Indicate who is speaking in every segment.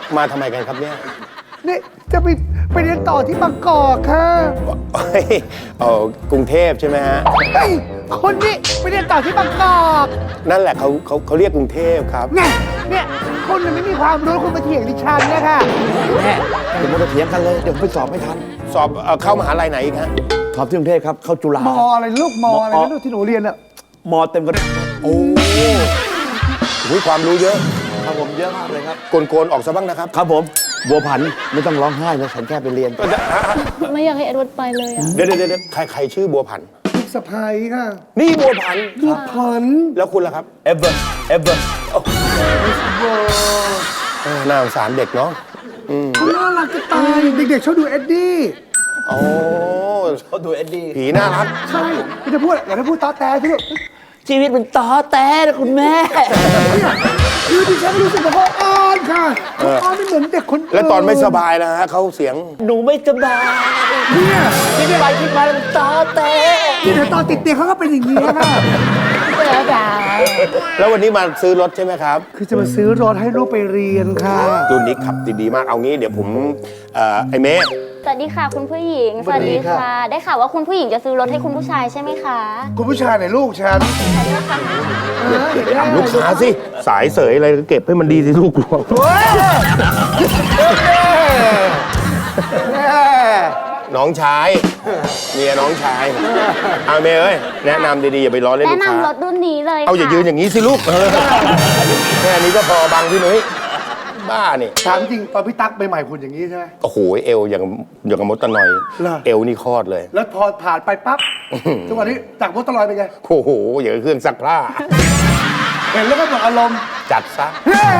Speaker 1: มาทำไมกันครับเนี่ย
Speaker 2: นี่จะไปเรียนต่อที่บางกอกค่ะ
Speaker 1: กรุงเทพใช่ไหมฮะ
Speaker 2: ไอ้คนนี้ไปเรียนต่อที่บางกอก
Speaker 1: นั่นแหละเขาเรียกกรุงเทพครับ
Speaker 2: เนี่ยคนมันไม่มีความรู้คุณมาเถียงดิฉันนะคะ
Speaker 3: แม่เดี๋ยวมาเถียงกันเลยเดี๋ยวไปสอบไม่ทัน
Speaker 1: สอบเข้ามหาลัยไหนอีกฮะ
Speaker 3: สอบที่กรุงเทพครับเข้าจุฬาม
Speaker 2: อะไรลูกมอะไรนะลูกที่หนูเรียนอะ
Speaker 3: มเต็มกัน
Speaker 1: โอ้โหความรู้เยอะ
Speaker 3: ครับผมเยอะมากเลยครับ
Speaker 1: โกนออกซะบ้างนะครับ
Speaker 3: ครับผมบัวผันไม่ต้องร้องไห้นะฉันแค่ไปเรียน
Speaker 4: ไม่อยากให้เอ็ดเวิร์ดไปเลยอ่ะ
Speaker 1: เดี๋ยวใครชื่อบัวผัน
Speaker 2: ลูกสะใภ้ค่ะ
Speaker 1: นี่บัวผันแล้วคุณล่ะครับ
Speaker 3: เอเวอร์
Speaker 1: น่าสงสารเด็กเนาะ
Speaker 2: น่ารักจะตายเด็กๆชอบดูเอ็ดดี้
Speaker 1: โอ้
Speaker 3: เขาดูเอ็ดดี้
Speaker 1: ผีน่ารัก
Speaker 2: ใช่ไม่จะพูดอย่าได้พูดตอแตสิลูก
Speaker 3: ชีวิตมันต่อแต่นะคุณแม่
Speaker 2: คือดิฉันรู้สึกว่าเขาอ่อนค่ะเขาอ่อนไม่เหมือนเด็กคนอื่น
Speaker 1: แล้วตอนไม่สบายนะฮะเขาเสียง
Speaker 3: หนูไม่สบาย
Speaker 2: เนี่ย
Speaker 3: คิดไปคิดมามันต่อแต่
Speaker 2: ที่เดี๋ยวตอนติดเตียงเขาก็เป็นอย่างนี้ค่ะ
Speaker 1: แล้ววันนี้มาซื้อรถใช่ไหมครับ
Speaker 2: คือจะมาซื้อรถให้ลูกไปเรียนค่ะ
Speaker 1: รุ่นนี้ขับดีมากเอางี้เดี๋ยวผมไอเมย์
Speaker 4: สวัสดีค่ะคุณผู้หญิงสวัสดีค่ะได้ข่าวว่าคุณผู้หญิงจะซื้อรถให้คุณผู้ชายใช่ไหมคะ
Speaker 2: คุณผู้ชายไหนลูกฉัน
Speaker 1: ลูกค้าสิสายเสยอะไรก็เก็บให้มันดีสิลูกหลวงน้องชายเมียน้องชายเอาเมย์เอ้ยแนะนำดีๆอย่าไปล้อเล่นลูกค้า
Speaker 4: แนะนำรถรุ่นนี้เลย
Speaker 1: เอาอย่ายืนอย่างนี้สิลูกแค่นี้ก็พอบังพี่นุ้ยบ้านี่
Speaker 2: ถามจริงตอนพี่ตั๊กใหม่ๆคุณอย่างนี้ใช่ไหม
Speaker 1: โอ้โหเอวอย่างกับมดตะนอยเอวนี่คลอดเลย
Speaker 2: แล้วพอผ่านไปปั๊บทุกวันนี้จากมดตะนอยเป็นไง
Speaker 1: โอ้โหอย่างเครื่องซักผ้า
Speaker 2: เห็นแล้วก็หมดอารมณ์
Speaker 1: จัดซะ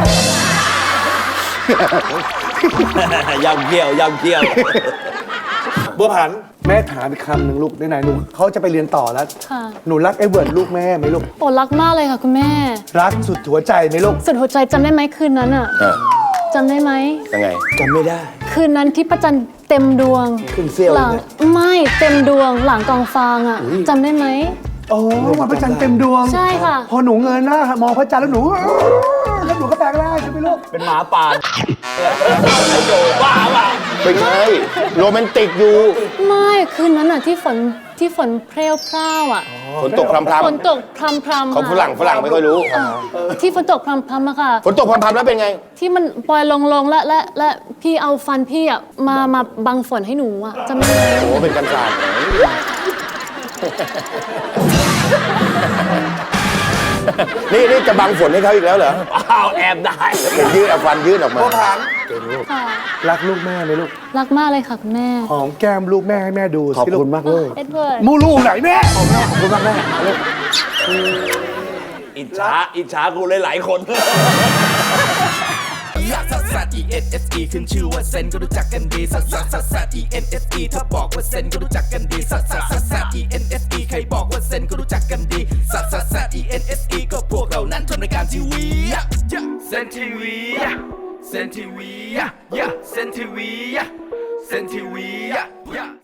Speaker 3: ยำเกี่ยวบัวผัน
Speaker 2: แม่ถามอีกคำหนึ่งลูกได้ไหนหนูเขาจะไปเรียนต่อแล้วหนูรักเอเวิร์ดลูกแม่ไหมลูก
Speaker 4: โอ้รักมากเลยค่ะคุณแม่
Speaker 2: รักสุดหัวใจไหมลูก
Speaker 4: สุดหัวใจจำได้ไหมคืนนั้นอ่ะจำได้ไหม
Speaker 1: ยังไง
Speaker 3: จำไม่ได้
Speaker 4: คืนนั้นที่พระจันทร์เต็มดวง
Speaker 3: ขึ้นเสี้ยว
Speaker 4: หลังไม่เต็มดวงหลังกองฟางอ่ะจำได้ไหม
Speaker 2: โอ้วันพระจันทร์เต็มดวง
Speaker 4: ใช่ค่ะ
Speaker 2: พอหนูเงยหน้ามองพระจันทร์แล้วหนูก็แปลงร่างใช่ไหมลูก
Speaker 3: เป็นหมาป่าบ้า
Speaker 1: ไม่ใช่โรแมนติกอยู่
Speaker 4: ไม่คืนนั้นอ่ะที่ฝนเพลวพร่าวอ่ะ
Speaker 1: ฝนตกพรำ
Speaker 4: ฝนตกพรำ
Speaker 1: เขาฝรั่งไม่ค่อยรู้
Speaker 4: ที่ฝนตกพรำอะค่ะ
Speaker 1: ฝนตกพรำแล้วเป็นไง
Speaker 4: ที่มันปล่อยลงและพี่เอาฟันพี่อ่ะมาบังฝนให้หนูอ่ะจำได้ไหม
Speaker 1: โอ้เป็นกันศาสตร์นี่จะบังฝนให้เขาอีกแล้วเหรอ
Speaker 3: อ้าวแอบได้
Speaker 1: เป็นยืดเอาฟันยืดออกมา
Speaker 2: เก่งลูกรักลูกแม่ไหมลูก
Speaker 4: รักมากเลยค่ะคุณแม่
Speaker 2: หอมแก้มลูกแม่ให้แม่ดู
Speaker 3: ขอบคุณมากเลย
Speaker 4: เอ็ดเวิร์ด
Speaker 2: มูลูกไหนแม่ขอบคุณมากแม่
Speaker 3: อิจฉากูหลายคน
Speaker 5: ซัสซัส E-N-S-E ขึ้นชื่อว่าเซนก็รู้จักกันดีซัสซัสซัสซัส E-N-S-E ถ้าบอกว่าเซนก็รู้จักกันดีซัสซัสซัสซัส E-N-S-E ใครบอกว่าเซนก็รู้จักกันดีซัสซัสซัส E-N-S-E ก็พวกเรานั้นทำรายการทีวีเซนทีวีเซนทีวีเซนทีวีเซนทีวี